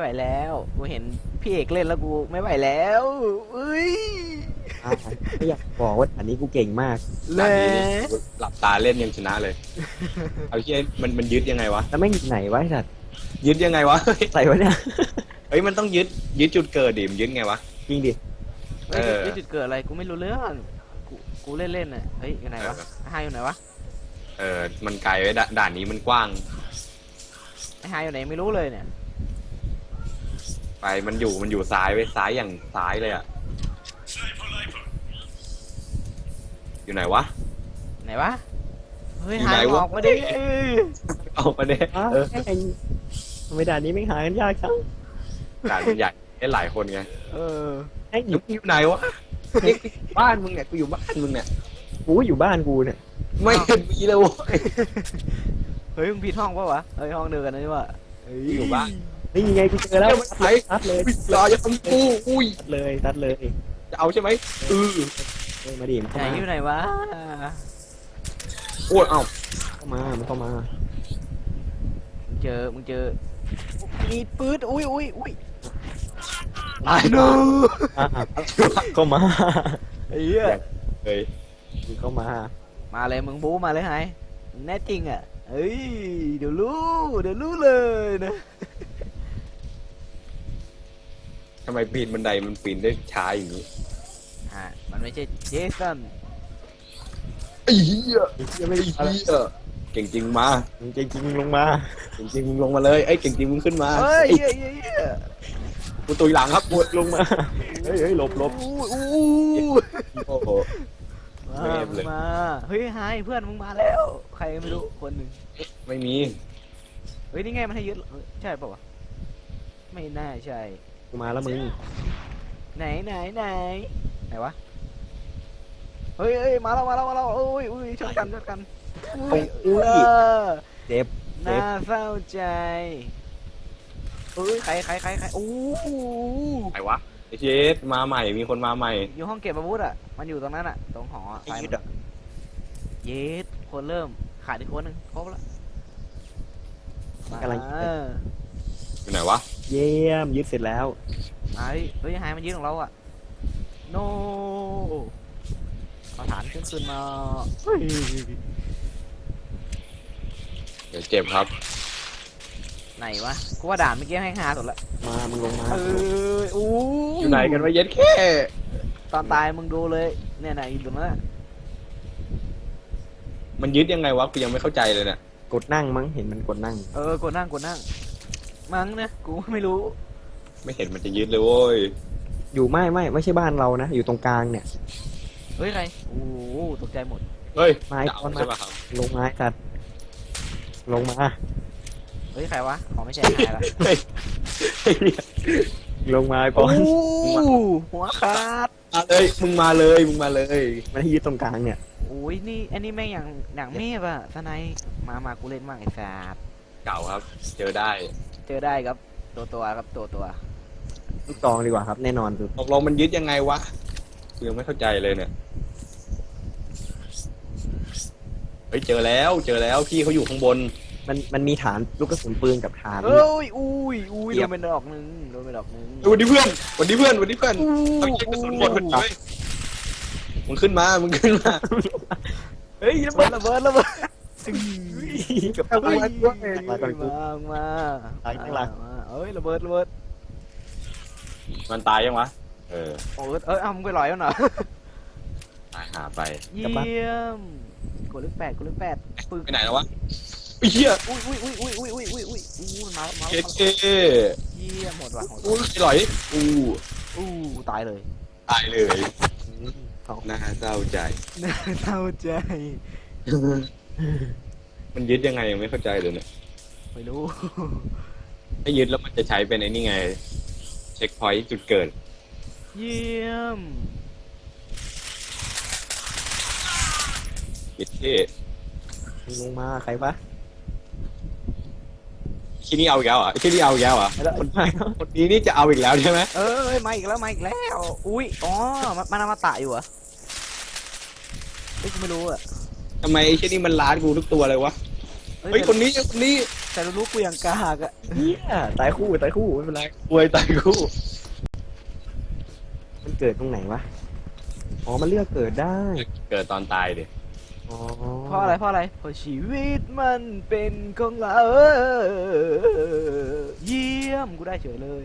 แล้วกูเห็นพี่เอกเล่นแล้วกูไม่ไหวแล้วเอ้ยไม่อยากบอกว่าอันนี้กูเก่งมากเลด่านยนี้นี่หลับตาเล่นยังชนะเลย เอาเชี่ยมันยึดยังไงวะแล้วแม่งอยู่ไหนวะไอ้สัตว์ยึดยังไงวะใส่ไว้เนี่ยเฮ้ยมันต้องยึดจุดเกิดดิมนยึดไงวะจริงดิเฮ้ยเออจุดเกิดอะไรกูไม่รู้เรื่องกูเล่นน่ะเฮ้ยอยู่ไหนวะไอ้ไฮอยู่ไหนวะมันไกลไว้ด่านนี้มันกว้างไอ้ไฮอยู่ไหนไม่รู้เลยเนี่ยไปมันอยู่ซ้ายไว้ซ้ายอย่างซ้ายเลยอ่ะ อยู่ไหนวะไหนวะเฮ้ยอยู่ไฮไหนวะออกมาดิเอามาเด้อ้าวแม่งทำไมด่านนี้ไม่งหากันยากจังด่านมันใหญ่ได้หลายคนไงเออแม่งอแล้ยู่วมึงอยู่ไหนวะนี่กูอยู่บ้านมึงเนี่ยกูอยู่บ้านมึงเนี่ยกูอยู่บ้านกูเนี่ยไม่เห็นมีเลยเว้ยเฮ้ยมึงผิดห้องปะวะเฮ้ยห้องเดียวกันนะนี่วะเฮ้ยอยู่บ้านนี่ยังไงกูเจอแล้วเดี๋ยวมันไหลตัดเลยรอจะทำกูอุ้ยตัดเลยตัดเลยจะเอาใช่ไหมเออเฮ้ยมาดิมันไหนเข้ามาอยู่ไหนวะโอ้ยเอ้าเข้ามามันเข้ามามึงเจอมีปืนอุ้ยตายเนาะอ่ะเข้ามาไอ้เหี้ยเฮ้ยมึงเข้ามามาเลยมึงบู๊มาเลยไฮมึงแน่จริงอ่ะเฮ้ยเดี๋ยวรู้เลยนะทำไมปีนบันไดมันปีนได้ช้าอย่างนี้มันไม่ใช่เจสันไอ้เหี้ยไอ้เหี้ยไม่ไอ้ได้อะไรเหี้ยเก่งจริงมามึงจริงๆลงมาเก่งจริงมึงลงมาเลยไอ้ยเก่งจริงมึงขึ้นมาเฮ้ยไอ้เหี้ยกูตุยหลังครับปวดลงมาเฮ้ยเฮ้ยหลบอู้โอ้โหมาเวฟเลยมาเฮ้ยไฮเพื่อนมึงมาแล้ว ใครไม่รู้คนหนึ่งไม่มีเฮ้ยนี่ไงมันให้ยึดเฮ้ยใช่ป่าวะไม่น่าใช่กูมาแล้วมึงไหนวะเฮ้ยมาแล้วโอ้ยชนกันอุ้ยเจ็บน่าเศร้าใจเฮ้ยใครโอ้ไหนวะไอ้เจสมาใหม่มีคนมาใหม่อยู่ห้องเก็บอาวุธอ่ะมันอยู่ตรงนั้นอ่ะตรงหอซ้ายมือเยสคนเริ่มขาดอีกคนหนึ่งครบแล้วกำลังอยู่ไหนวะเยี่ยมยึดเสร็จแล้วเฮ้ยหายมันยืนของเราอ่ะโนเอาฐานขึ้นมาเฮ้ยเดี๋ยวเจ็บครับไหนวะกูว่าด่านเมื่อกี้ให้5สุดละมามึงลงมาอู้อยู่ไหนกันวะเย็ดแค่ตอนตายมึงดูเลยเนี่ยไหนอยู่ตรงนั้นอะมันยึดยังไงวะกูยังไม่เข้าใจเลยเนี่ยกดนั่งมั้งเห็นมันกดนั่งกดนั่งมั้งนะกูไม่รู้ไม่เห็นมันจะยึดเลยโว้ยอยู่ไม่ใช่บ้านเรานะ อยู่ตรงกลางเนี่ยเฮ้ยใครโอ้โหตกใจหมดเฮ้ยไม้จะเอาใช่ป่ะครับลงไม้สัตว์ลงมาเฮ้ยใครวะขอไม่ใช่ใครละเฮ้ยลงมาไอ้ปโอ้อนหัวขาดมาเลยมึงมาเลยมึงมาเลยมันให้ยึดตรงกลางเนี่ยโอ้ยนี่อันนี้แม่งอย่างเมฟอะทนายมากูเล่นมากไอ้สัสเก่าครับ เจอได้เจอได้ครับตัวครับตัวลูกซองดีกว่าครับ แน่นอนสุดตกลงมันยึดยังไงวะกูยังไม่เข้าใจเลยเนี่ยเฮ้ยเจอแล้วพี่เขาอยู่ข้างบนมันมีฐานลูกกระสุนปืนกับฐานเอ้ยอุ้ยโดนไปดอกหนึ่งวันนี้เพื่อนเอาเช็คกระสุนหมดพอดีเว้ยมึงขึ้นมาเฮ้ยระเบิดกับเอาไว้ด้วยมาก่อนกูมาตายข้างหลังเอ้ยระเบิดมันตายยังวะโอ้เอามึงไปลอยมันเหรอตายหาไปเยี่ยมกดเลข8ปึกไปไหนแล้ววะไอ้เหี้ยอุ้ยมาเจ็ดเอเยี่ยมหมดว่ะอู้หลอยอู้ตายเลยตายเลยเอาน่าเศร้าใจเศร้าใจมันยึดยังไงยังไม่เข้าใจเลยเนี่ยไม่รู้ถ้ายึดแล้วมันจะใช้เป็นไอ้นี่ไง เช็คพอยต์จุดเกิดเยี่ยมยึดเท่มึงลงมาใครปะที่นี่เอาอีกแล้วเหรอ่ะที่นี่เอาอีกแล้วเหรอ่ะแล้วคนไปเนาะคนนี้นี่จะเอาอีกแล้วใช่ไหมมาอีกแล้วอุ้ยอ๋อมันอมตะอยู่เหรอกูไม่รู้อะทำไมไอ้ที่นี่มันล้านกูทุกตัวเลยวะเฮ้ยคนนี้แต่รู้กูอย่างกากอะเฮียตายคู่ไม่เป็นไรอวยตายคู่มันเกิดตรงไหนวะอ๋อมันเลือกเกิดได้เกิดตอนตายดิอ๋อเพราะอะไรเพราะชีวิตมันเป็นของเราเยี่ยมกูได้เฉยเลย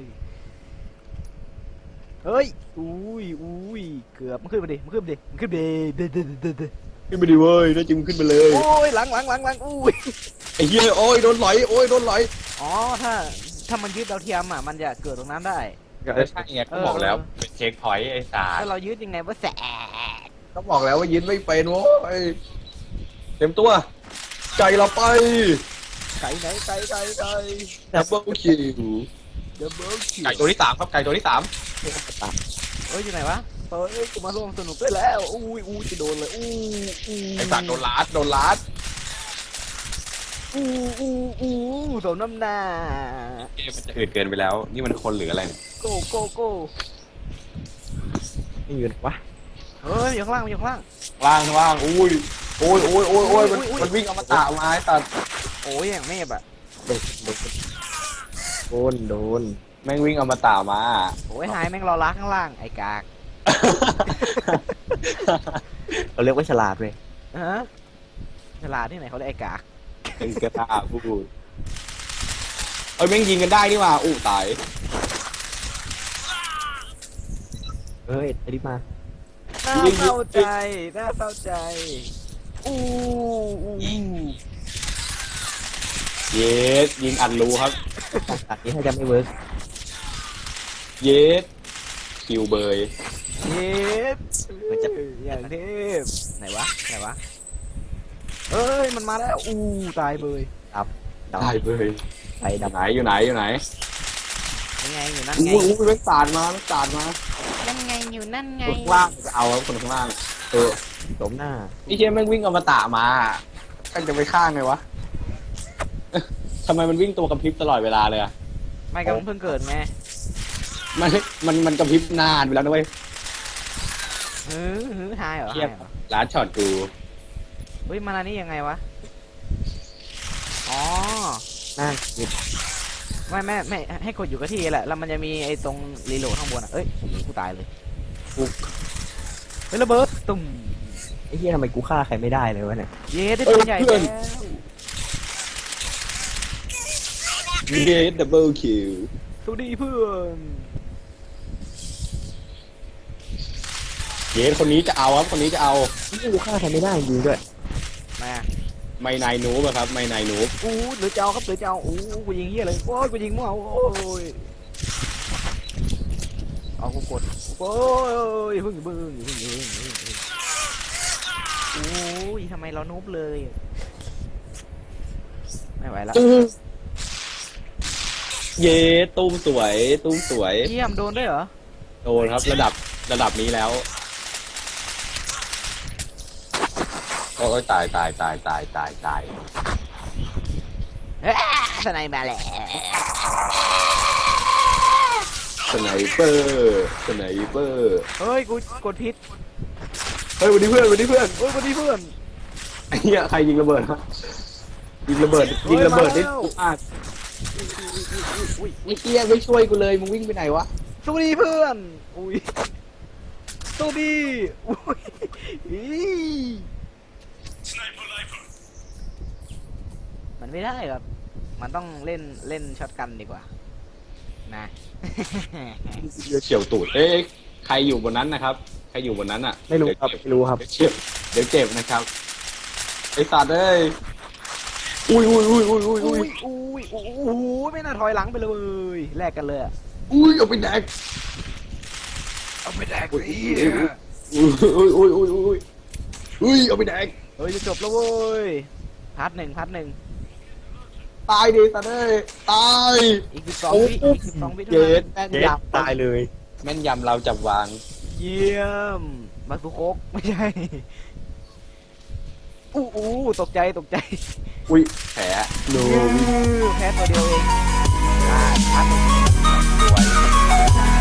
เฮ้ยอุ้ยเกือบมันขึ้นมาดิมันขึ้นมาดิมันขึ้นมาดิเด้ขึ้นไปดิเว้ยน่าจิ้มขึ้นไปเลยโอ้ยหลังอุ้ยไอ้เหี้ยโอ้ยโดนไหลโอ้ยโดนไหลอ๋อถ้ามันยึดดาวเทียมอ่ะมันจะเกิดตรงนั้นได้ใช่ไงก็บอกแล้วเป็นเช็คพอยต์ไอ้สารถ้าเรายึดยังไงว่าแสกก็บอกแล้วว่ายินไม่เป็นโว้ยเต็มตัวใจเราไปไก่ไหนไก่ดับเบิลคิวเดบเบิลคิวไก่ตัวที่3ครับไก่ตัวที่3 เฮ้ยอยู่ไหนวะเฮ้ยกูมาร่วมสนุกด้วยแล้วอุ้ยจะโดนเลยอู้ไอ้สารโดนลัดอู้สมน้ำหน้าเกมมันจะอืดเกินไปแล้ว นี่มันคนหรืออะไรเนี่ยโก้ไม่อยู่ไหนวะเฮ้ยอยู่ข้างล่างอยู่ข้างล่างล่างอุ้ยโอ้ยมันวิ่งเอามาตะไม้ตัดโอ้ยอย่างเมฆอะโดนแม่งวิ่งเอามาตะมาโอ้ยหายแม่งรอล้าข้างล่างไอ้กากเราเรียกว่าฉลาดเลยฮะฉลาดที่ไหนเขาเรียกไอ้กากเป็นกระตาพูดเอ้ยแม่งยิงกันได้นี่หว่าอู้ตายเฮ้ยไอ้ดิมาน่าเศร้าใจอู้เยสยิงอัดรูครับตัดนี้ถ้าจะไม่เวิร์กเยสคิวเบยเย็บอย่างเทพไหนวะเอ้ยมันมาแล้วตายเบยได้เบยใส่ดับอยู่ไหนยังไงอยู่นั่นไงอู้แม่งสาดมายังไงอยู่นั่นไงคนข้างล่างจะเอาครับคนข้างล่างเออสมหน้าไอ้เชี่ยแม่งวิ่งเอามาตะมากันจะไปข้างไงวะ ทำไมมันวิ่งตัวกระพริบตลอดเวลาเลยอะไม่ก็มันเพิ่งเกิดไงมันกระพริบนานไปแล้วนะเว้ยหายเหรอเทียบร้านช็อตกูเฮ้ยมาอันนี้ยังไงวะอ๋อหน้าหยุดไม่ให้กดอยู่กับที่แหละแล้วมันจะมีไอ้ตรงรีโหลดข้างบนอ่ะเอ้ยกูตายเลยเฮ้ยระเบิดตุ่มไอ้เหี้ยทำไมกูฆ่าใครไม่ได้เลยวะเนี่ยเย้ได้ปืนใหญ่แล้วเยสดับเบิลคิวสวัสดีเพื่อนเยสคนนี้จะเอาครับคนนี้จะเอานี่กูฆ่าใครไม่ได้จริงด้วยมาไม่นายนูบอะครับไม่นายนูบหรือจะเอาครับหรือจะเอากูยิงเหี้ยเลยโอ้ยกูยิงมั่วโอ้ยเอากูกดโอ้ยพึ่งโอ้ยทำไมเรานุบเลยไม่ไหวแล้วเยสตุ้มสวยเยี่ยมโดนด้วยเหรอโดนครับระดับนี้แล้วโอ้ยตายสไนมาแล้วสไนเปอร์เฮ้ยกูกดพิษเฮ้ยวันนี้เพื่อนโอ้ยสวัสดีเพื่อนไอ้เหี้ยใครยิงระเบิดฮะยิงระเบิดได้ปุ๊บอ่ะอุ้ยไอ้เหี้ยไม่ช่วยกูเลยมึงวิ่งไปไหนวะสวัสดีเพื่อนอุ้ยสวัสดีอุ้ยมันไม่ได้ครับมันต้องเล่นช็อตกันดีกว่านะเฉียวตูดเอ๊ะใครอยู่บนนั้นนะครับใครอยู่บนนั้นอ่ะไม่รู้ครับเดี๋ยวเจ็บนะครับไอ้สัตว์เอ้ยอุ้ยไม่น่าถอยหลังไปเลยแลกกันเลยอะเอาไปแดกเอาไปแดกอุ้ยเอาไปแดกเฮ้ยจะจบแล้วเว้ยพาร์ทหนึ่งตายดิสัตว์เอ้ยตายอีก12 วิเท่าเจ็นั้ดนแม่นเจ็ยบตายเลยแม่นยำเราจับวางเยี่ยมบักตุโคกไม่ใช่ตกใจอุ้ยแผลโนแพ้ตัวเดียวเองพาร์ทหนึ่งสวย